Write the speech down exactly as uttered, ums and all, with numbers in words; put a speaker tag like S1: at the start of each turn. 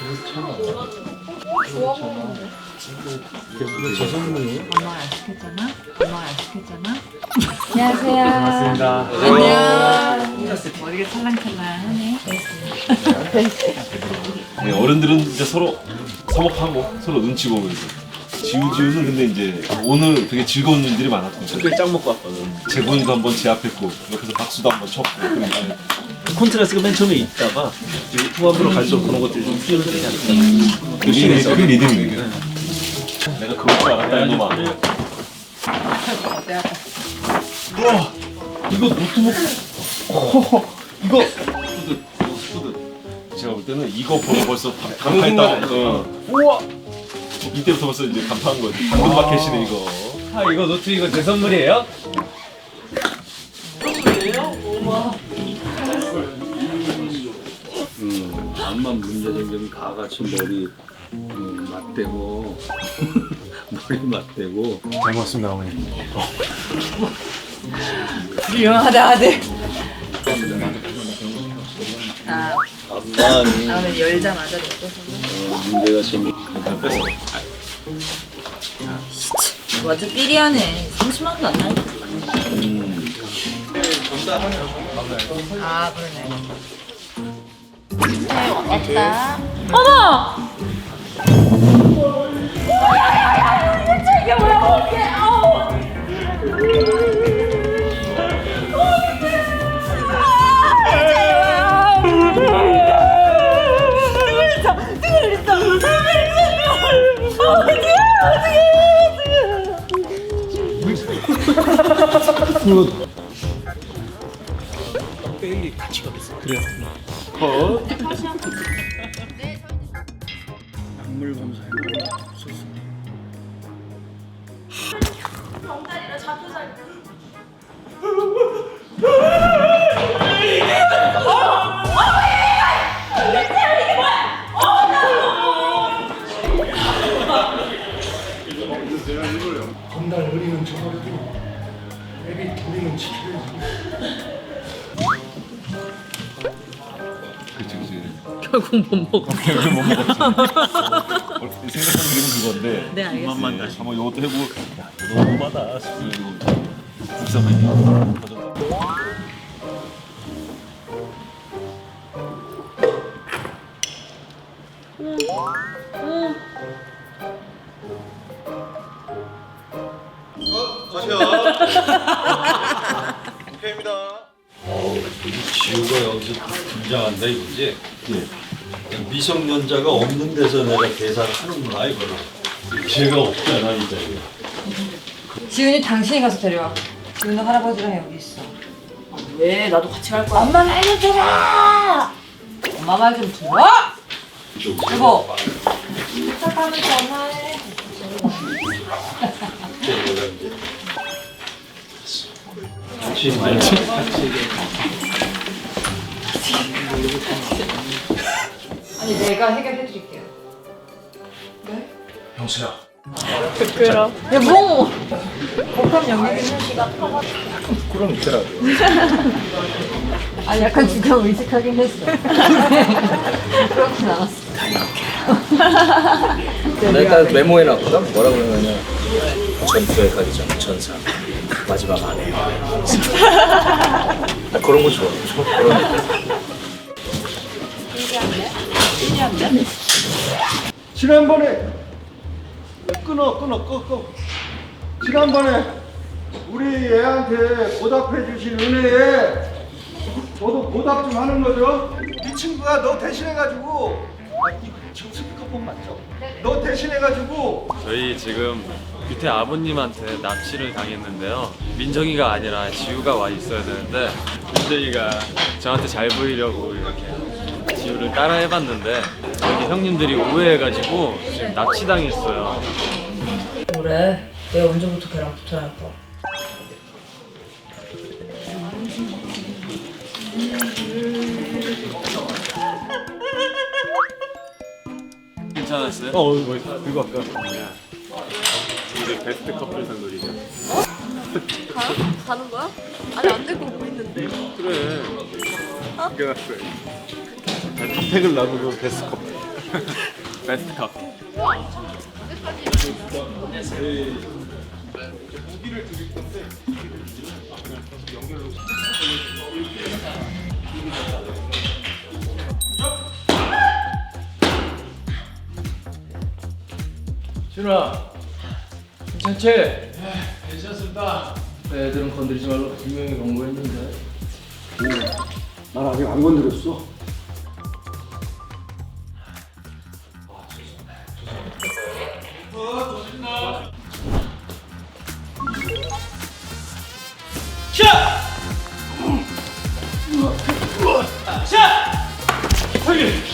S1: 좋아 보이는데.
S2: 이거 제 선물이에요?
S1: 엄마가 안 시켰잖아? 엄마가 안 시켰잖아? 안녕하세요.
S2: 반갑습니다.
S1: 안녕. 머리가 찰랑찰랑하네.
S3: 네, 어른들은 이제 서로 서먹하고 서로 눈치 보면서 지우지우는 근데 이제 오늘 되게 즐거운 일들이 많았거든요.
S2: 특별히 짱 먹고 왔거든.
S3: 재곤이도 한번 제압했고 옆에서 박수도 한번 쳤고 그러니까
S2: 콘트라스가 맨 처음에 있다가 이제 후반부로 갈수록 그런 것들이 좀 수혈을 되지 않을까.
S3: 그게 그게 리듬이에요. 내가 그럴 줄 알았다 이놈아. 우와 이거 노트북 허허, 이거 스푸드 스푸드 제가 볼 때는 이거 보고 벌써 감탄했다고. 어. 우와 이때부터 벌써 이제 감탄한 거지. 당근 마켓이네 이거.
S2: 아 이거 노트 이거 제 선물이에요?
S4: 음, 암만 문제 생기면 다 같이 머리 음, 맞대고 머리 맞대고
S3: 잘 먹었습니다 어머니.
S1: 유용하다 아들. 아,
S4: 암만이
S1: 나는 열자마자 먹고
S4: 어, 문제가 생기
S3: 뺐어.
S1: 완전 삐리하네. 삼십만 원도 안 나니까.
S4: 음,
S1: 아, 그러네. 왔다. 어머! 이게 뭐야? 이게 아우!
S2: 빼기 같이 가겠어. 그래요.
S4: 약물 검사에 없었어.
S5: 건달 어리는 저버려도 애기 우리는 지켜야지.
S3: 그치 그치.
S1: 결국 못 먹어.
S3: 결국 못 먹었지. 얼핏 생각하는 게 그건데.
S1: 네, 알겠습니다.
S3: 네, 한번 이것도 해보고 야 이거 너무하다 싶고 국산만이 버전.
S4: 지우가 여기서 등장한다 이거지? 미성년자가 없는 데서 내가 계산을 하는구나 이거를. 걔가 없잖아 이 자리에.
S1: 지훈이 당신이 가서 데려와. 지훈이 할아버지랑 여기 있어. 왜? 나도 같이 갈 거야. 엄마 말 좀 들어! 엄마 말 좀 들어! 여보! 부탁하면 전화해.
S4: 같이 말지.
S1: 아니, 내가 해결해 드릴게요. 네?
S3: 형수야.
S1: 부끄러. 여보! 복합 영역이는 시가 터가지고.
S4: 그럼 있더라고.
S1: 아니, 약간 주강 의식하긴 했어. 그렇진 않았어.
S6: 내가 딱 메모해 놨거든? 뭐라고 그러냐면 전투에 가기 전 전사 마지막 안에 나 그런 거 좋아. 그런 거.
S5: 지난번에 끊어 끊어 끊어 끊어. 지난번에 우리 애한테 보답해 주신 은혜에 저도 보답 좀 하는 거죠. 이 친구가 너 대신해가지고 아, 이거 저 스피커폰 맞죠? 너 대신해가지고
S7: 저희 지금 규태 아버님한테 납치를 당했는데요. 민정이가 아니라 지우가 와 있어야 되는데 민정이가 저한테 잘 보이려고 이렇게 지우를 따라 해봤는데 여기 형님들이 오해해가지고 지금 납치당했어요.
S1: 그래. 내가 언제부터 걔랑 붙어야겠다.
S7: 괜찮았어요?
S3: 어 뭐 이거 아까 이제 베스트 커플상 놀이죠.
S8: 가? 가는 거야? 아니 안 되고 뭐 있는데.
S3: 그래. 이겨놨어요. 택을 나누고 베스트 커플.
S7: 베스트 컵.
S6: 준아, 괜찮지? 괜찮습니다. 애들은 건드리지 말고 분명히 경고했는데.
S5: 난 아직 안 건드렸어.
S2: 샷!